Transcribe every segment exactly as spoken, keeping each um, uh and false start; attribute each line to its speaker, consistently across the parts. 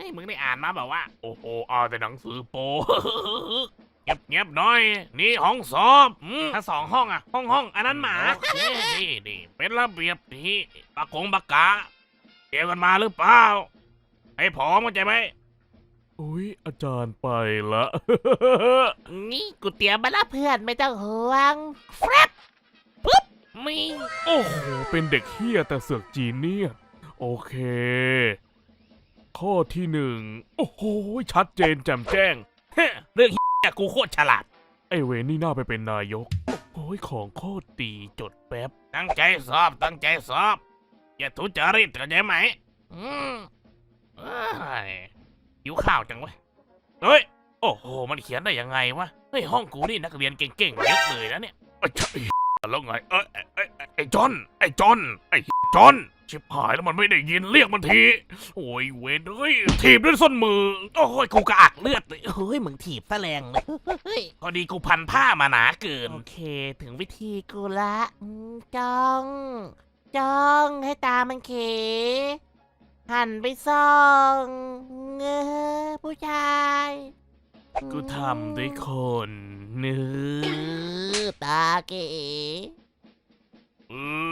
Speaker 1: มึงได้อ่านมาแบบว่าโอ้โหเอาแต่หนังสือโป๊เงียบเงียบหน่อยนี่ห้องสอบถ้าสองห้องอะห้องห้องอันนั้นหมานี่นี่เป็นระเบียบนี่ปากกงปากกาเกี่ยวกันมาหรือเปล่าให้พร้อมเข้าใจไหมอุ้ยอาจารย์ไปละ
Speaker 2: นี่กูเตรียมมาแล้วเพื่อนไม่ต้องห่วงแฟบมี
Speaker 1: โอ้โหเป็นเด็กเฮี้ยแต่เสือกจีนเนี่ยโอเคข้อที่หนึ่งโอ้โหชัดเจนแจ่มแจ้งเรื่องเฮี้ยกูโคตรฉลาดไอเวรนี่น่าไปเป็นนายกโอ้ยของโคตรดีจดแป๊บตั้งใจสอบตั้งใจสอบอย่าทุจริตเข้าใจไหมอืมเอ้ยหิวข้าวจังวะเฮ้ยโอ้โหมันเขียนได้ยังไงวะเฮ้ยห้องกูนี่นักเรียนเก่งๆเยอะเลยนะเนี่ยไอ้ใช่แล้วไงเอ้ยไอ้ไอ้จอนไอ้จอนไอ้จอนชิบหายแล้วมันไม่ได้ยินเรียกมันทีโอ้ยเวนเฮ้ยถีบด้วยส้นมือโอ้ยกูกระอักเลือดเลย
Speaker 2: เฮ้ยมึงถีบแสลงเลยเฮ้ย
Speaker 1: พอดีกูพันผ้ามาหนาเกิน
Speaker 2: โอเคถึงวิธีกูละอืมจ้องจ้องให้ตามันเขหันไปส่องเงอผู้ชาย
Speaker 1: กูทำด้วยคนเนื้
Speaker 2: เอ
Speaker 1: อ
Speaker 2: อตาเก๋
Speaker 1: เอ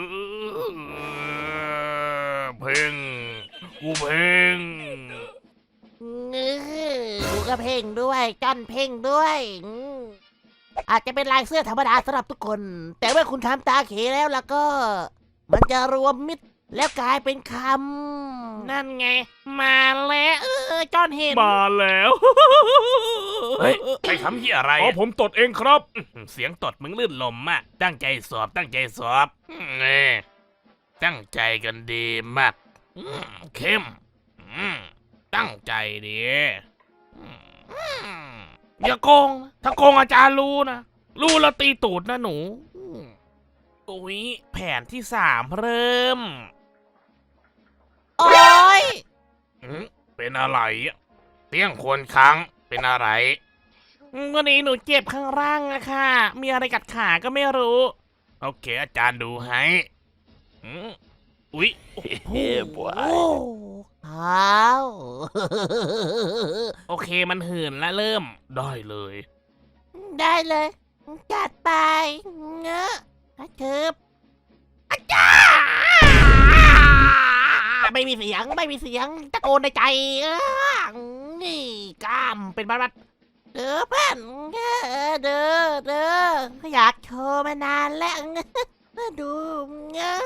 Speaker 1: อเพ่งกูเพ่ง
Speaker 2: เงอดูกระเพ่งด้วยจ้อนเพ่งด้วยอืมอาจจะเป็นลายเสื้อธรรมดาสำหรับทุกคน แต่เมื่อคุณทำตาเขแล้วแล้วก็ มันจะรวมมิตรแล้วกลายเป็นคำนั่นไง มาแล้วเออจ้อนเห็น
Speaker 1: มาแล้ว เฮ้ยไอ้คำที่อะไรอ๋อผมตดเองครับ เสียงตดมึงลื่นลมอะตั้งใจสอบตั้งใจสอบเออตั้งใจกันดีมากอืมเข้มอืมตั้งใจดีอืมอย่าโกงนะถ้าโกงอาจารย์รู้นะ รู้แล้วตีตูดนะหนูอืมอุ๊ยแผนที่สามเริ่ม
Speaker 2: โอ๊ย
Speaker 1: อืมเป็นอะไรอะเตี้ยงควรค้างเป็นอะไร
Speaker 2: วันนี้หนูเจ็บข้างล่างอะค่ะ มีอะไรกัดขาก็ไม่รู้
Speaker 1: โอเคอาจารย์ดูให้อืมอุ๊ยโอ้โห
Speaker 2: โอ้อ้าว
Speaker 1: โอเคมันหื่นแล้วเริ่มได้เลย
Speaker 2: ได้เลย จัดไปเงอะอาเชิบอาจารย์ไม่มีเสียงไม่มีเสียงตะโกนในใจเออนี่กล้ามเป็นบัดๆเด้อเพื่อนเด้อเด้อเด้ออยากโชว์มานานแล้วดูเงอะ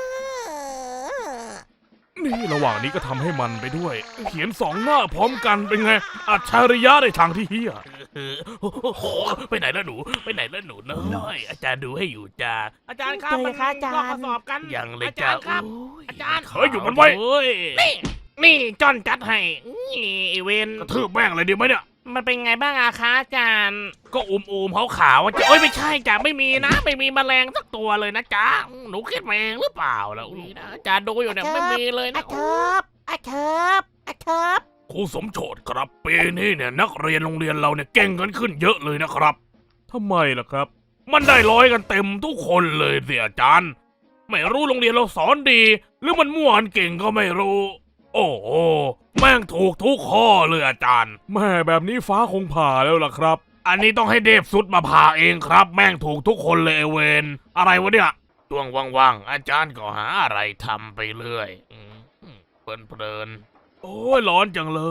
Speaker 1: นี่ระหว่างนี้ก็ทำให้มันไปด้วย เขียนสองหน้าพร้อมกันเป็นไง อัจฉริยะในทางที่เฮียโอ้โหไปไหนแล้วหนู ไปไหนแล้วหนูน้อยอาจารย์ดูให้อยู่จ้าอาจารย์ครับ
Speaker 2: เป็นไงคะอาจารย์
Speaker 1: ลอกข้อสอบกันยังเลยจ้า
Speaker 2: อาจารย์ครับ
Speaker 1: โ
Speaker 2: อาจารย์
Speaker 1: เฮ้ยอยู่มันไว้นี่นี่จอนจัดให้นี่ไอเวนกระทืบแม่งเลยดีไหมเนี่ย
Speaker 2: มันเป็นไงบ้างอะคะอาจารย์
Speaker 1: ก็อุมอูมเขาขาวๆจ้ะเอ้ยไม่ใช่จ้ะไม่มีนะ ไม่มีแมลงสักตัวเลยนะจ๊ะหนูคิดมาเองหรือเปล่าแล้วนี่นะอาจารย์ดูอยู่เนี่ยไม่มีเลย
Speaker 2: อา
Speaker 1: นะ
Speaker 2: เชิบอาเชิบอาเชิบ
Speaker 1: ครูสมโชติครับปีนี้เนี่ยนักเรียนโรงเรียนเราเนี่ยเก่งกันขึ้นเยอะเลยนะครับทำไมล่ะครับ มันได้ร้อยกันเต็มทุกคนเลยสิอาจารย์ ไม่รู้โรงเรียนเราสอนดี หรือมันมั่วกันเก่งก็ไม่รู้ โอ้โหแม่งถูกทุกข้อเลยอาจารย์แม่แบบนี้ฟ้าคงผ่าแล้วล่ะครับ อันนี้ต้องให้เดฟสุดมาผ่าเองครับ แม่งถูกทุกคนเลยไอ้เวนอะไรวะเนี่ยช่วงว่างๆอาจารย์ก็หาอะไรทำไปเรื่อยอืมเพลินๆโอ้ยร้อนจังเลย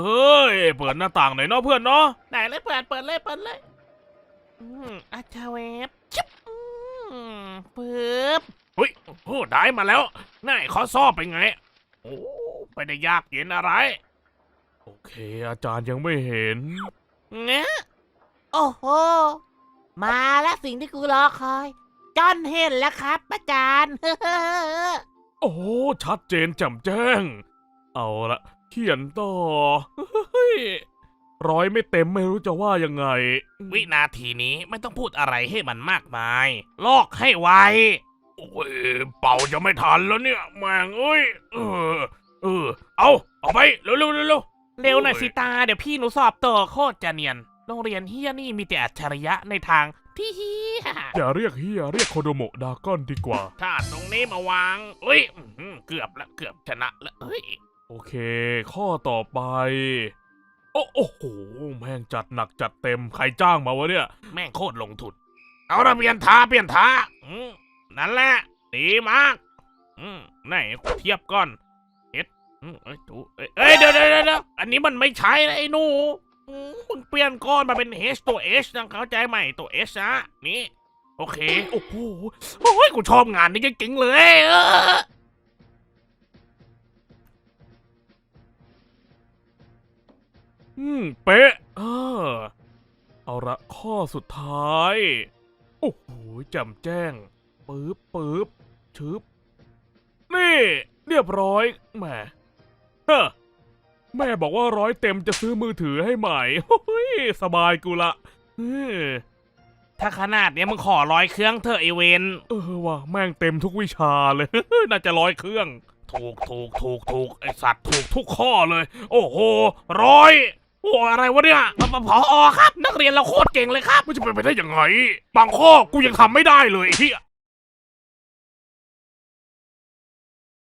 Speaker 1: เปิดหน้าต่างหน่อยเนาะเพื่อนเนาะ
Speaker 2: ไหนเลยเปิดเปิดเลยเปิดเลยอืมอาชาเวฟชิบอืมปึ๊บ
Speaker 1: เฮ้ยโอ้โหได้มาแล้วน่ายข้อสอบเป็นไงโอ้ไม่ได้ยากเย็นอะไร โอเคอาจารย์ยังไม่เห็น
Speaker 2: เงี้ยโอ้โห มาแล้วสิ่งที่กูรอคอยจอนเห็นแล้วครับอาจารย์
Speaker 1: โอ้ชัดเจนแจ่มแจ้ง เอาละเขียนต่อเฮ้ยร้อยไม่เต็มไม่รู้จะว่ายังไง วินาทีนี้ไม่ต้องพูดอะไรให้มันมากมาย ลอกให้ไวโอ้ยเป่าจะไม่ทันแล้วเนี่ยแม่งเอ้ยเออเออเอาเอาไปเร็วเร็วเร็วเร็ว
Speaker 2: เร็วหน่อยสิตา เดี๋ยวพี่หนูสอบต่อโคตรจะเนียน โรงเรียนเฮียนี่มีแต่อัจฉริยะในทางที่เฮีย
Speaker 1: อย่าเรียกเฮียเรียกโคโดโมะดากอนดีกว่า ถ้าตรงนี้มาวางเอ้ยอื้อหือเกือบละเกือบชนะละเฮ้ยโอเค ข้อต่อไปโอ้โอ้โหแม่งจัดหนักจัดเต็มใครจ้างมาวะเนี่ยแม่งโคตรลงทุนเอาละเปลี่ยนท่าเปลี่ยนท่าอืมนั่นแหละดีมากอืมไหนเทียบก่อนเอ็ดอืมเอ้ยดูเอ้ยเอ้ยเดี๋ยวเดี๋ยวเดี๋ยวอันนี้มันไม่ใช่นะไอ้หนูอืมมึงเปลี่ยนก้อนมาเป็น H ตัว H นะเข้าใจไหมตัว H นะนี่โอเคโอ้โหโอ้ยกูชอบงานนี้จริงๆเลยเออ อืมเป๊ะเออเอาละข้อสุดท้าย โอ้โหแจ่มแจ้งปึ๊บปึ๊บชึบ นี่ เรียบร้อยแหมเฮ้อแม่บอกว่าร้อยเต็มจะซื้อมือถือให้ใหม่โอ้ยสบายกูละเออถ้าขนาดเนี้ยมึงขอร้อยเครื่องเถอะไอเวนเออว่ะแม่งเต็มทุกวิชาเลย น่าจะร้อยเครื่อง ถูกถูกถูกถูกไอสัตว์ถูกทุกข้อเลย โอ้โหร้อยโอ้อะไรวะเนี่ยพออครับ นักเรียนเราโคตรเก่งเลยครับมันจะเป็นไปได้ยังไง บางข้อกูยังทำไม่ได้เลยเฮีย